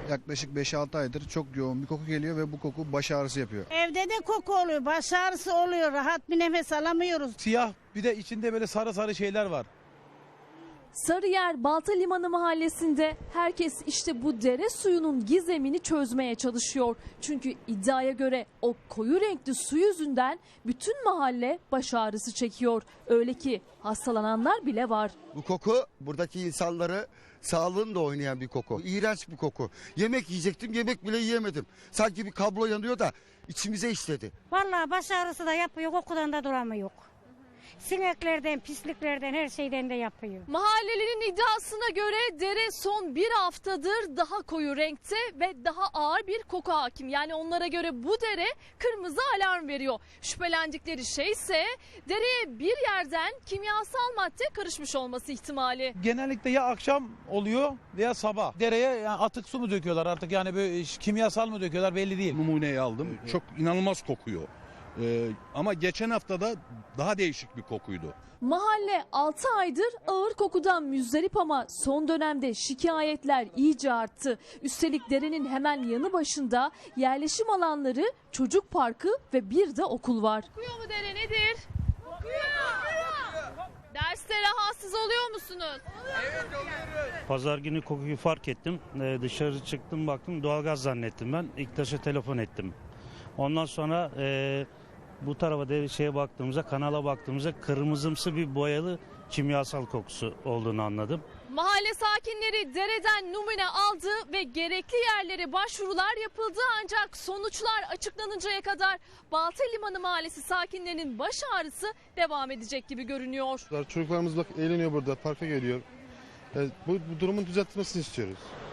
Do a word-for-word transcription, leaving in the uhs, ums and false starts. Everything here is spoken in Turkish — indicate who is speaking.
Speaker 1: Yaklaşık beş altı aydır çok yoğun bir koku geliyor ve bu koku baş ağrısı yapıyor.
Speaker 2: Evde de koku oluyor, baş ağrısı oluyor, rahat bir nefes alamıyoruz.
Speaker 3: Siyah, bir de içinde böyle sarı sarı şeyler var.
Speaker 4: Sarıyer Balta Limanı mahallesinde herkes işte bu dere suyunun gizemini çözmeye çalışıyor. Çünkü iddiaya göre o koyu renkli su yüzünden bütün mahalle baş ağrısı çekiyor. Öyle ki hastalananlar bile var.
Speaker 5: Bu koku buradaki insanları sağlığını da oynayan bir koku. İğrenç bir koku. Yemek yiyecektim, yemek bile yiyemedim. Sanki bir kablo yanıyor da içimize işledi.
Speaker 6: Vallahi baş ağrısı da yapıyor, kokudan da duramıyor. Sineklerden, pisliklerden, her şeyden de yapıyor.
Speaker 4: Mahallelinin iddiasına göre dere son bir haftadır daha koyu renkte ve daha ağır bir koku hakim. Yani onlara göre bu dere kırmızı alarm veriyor. Şüphelendikleri şey ise dereye bir yerden kimyasal madde karışmış olması ihtimali.
Speaker 3: Genellikle ya akşam oluyor veya sabah. Dereye yani atık su mu döküyorlar artık, yani böyle kimyasal mı döküyorlar belli değil.
Speaker 7: Numuneyi aldım. Çok inanılmaz kokuyor. Ee, ama geçen haftada daha değişik bir kokuydu.
Speaker 4: Mahalle altı aydır ağır kokudan müzdarip ama son dönemde şikayetler iyice arttı. Üstelik derenin hemen yanı başında yerleşim alanları, çocuk parkı ve bir de okul var. Kokuyor mu dere, nedir? Kokuyor. Derste rahatsız oluyor musunuz?
Speaker 8: Evet, oluyoruz. Pazar günü kokuyu fark ettim. Ee, dışarı çıktım, baktım, doğalgaz zannettim ben. İktaş'a telefon ettim. Ondan sonra e, bu tarafa da şeye baktığımızda, kanala baktığımızda kırmızımsı bir boyalı kimyasal kokusu olduğunu anladım.
Speaker 4: Mahalle sakinleri dereden numune aldı ve gerekli yerlere başvurular yapıldı, ancak sonuçlar açıklanıncaya kadar Balta Limanı Mahallesi sakinlerinin baş ağrısı devam edecek gibi görünüyor.
Speaker 9: Çocuklarımız bak eğleniyor burada, parka geliyor. Yani bu, bu durumun düzeltilmesini istiyoruz.